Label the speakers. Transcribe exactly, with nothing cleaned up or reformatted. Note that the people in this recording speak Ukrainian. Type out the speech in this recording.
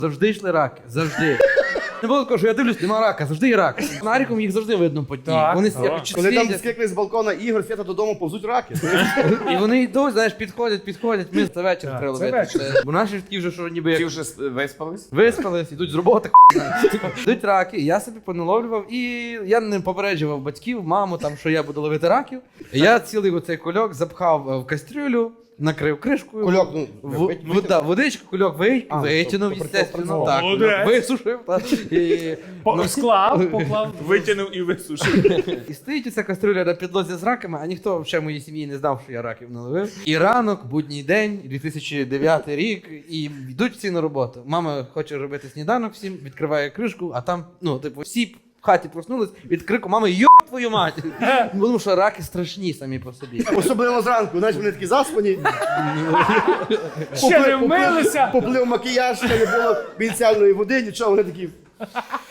Speaker 1: Завжди йшли раки, завжди. Не було такого, що я дивлюсь, нема рака, завжди є рак. Наріком їх завжди видно по дні.
Speaker 2: Так.
Speaker 1: Вони
Speaker 2: О.
Speaker 1: як
Speaker 3: Коли там
Speaker 1: світять.
Speaker 3: скикли з балкона Ігор, Свята додому повзуть раки.
Speaker 1: І вони йдуть, знаєш, підходять, підходять. Ми це вечір
Speaker 2: Так,
Speaker 1: треба
Speaker 2: це
Speaker 1: ловити.
Speaker 2: вечір.
Speaker 1: Це- Бо наші ж такі вже, що ніби
Speaker 4: Ті
Speaker 1: як
Speaker 4: вже с- виспались?
Speaker 1: виспались, йдуть з роботи. Йдуть раки, і я собі поналовлював, і я не попереджував батьків, маму, там, що я буду ловити раків. Я цілий оцей кульок запхав е, в кастрюлю, накрив кришкою.
Speaker 3: Кульок, ну,
Speaker 1: В-
Speaker 3: вить-
Speaker 1: вода, водичку, кульок ви-
Speaker 3: А,
Speaker 1: витягнув,
Speaker 3: тобто
Speaker 1: естественно,
Speaker 3: працював.
Speaker 1: так,
Speaker 2: Молодець.
Speaker 1: висушив. так, І,
Speaker 2: По-
Speaker 1: ну,
Speaker 2: Склав, поклав.
Speaker 4: Витягнув і висушив.
Speaker 1: і стоїть ця кастрюля на підлозі з раками, а ніхто в ще моїй сім'ї не знав, що я раків наловив. І ранок, будній день, дві тисячі дев'ятий рік, і йдуть всі на роботу. Мама хоче робити сніданок всім, відкриває кришку, а там, ну, типу, всі в хаті проснулись від крику мами «Йо твою мать!» Тому що раки страшні самі по собі.
Speaker 3: Особливо зранку, знаєш, вони такі заспані.
Speaker 2: Ще не вмилися.
Speaker 3: Поплив макіяж, ще не було бінціальної води, нічого, вони такі.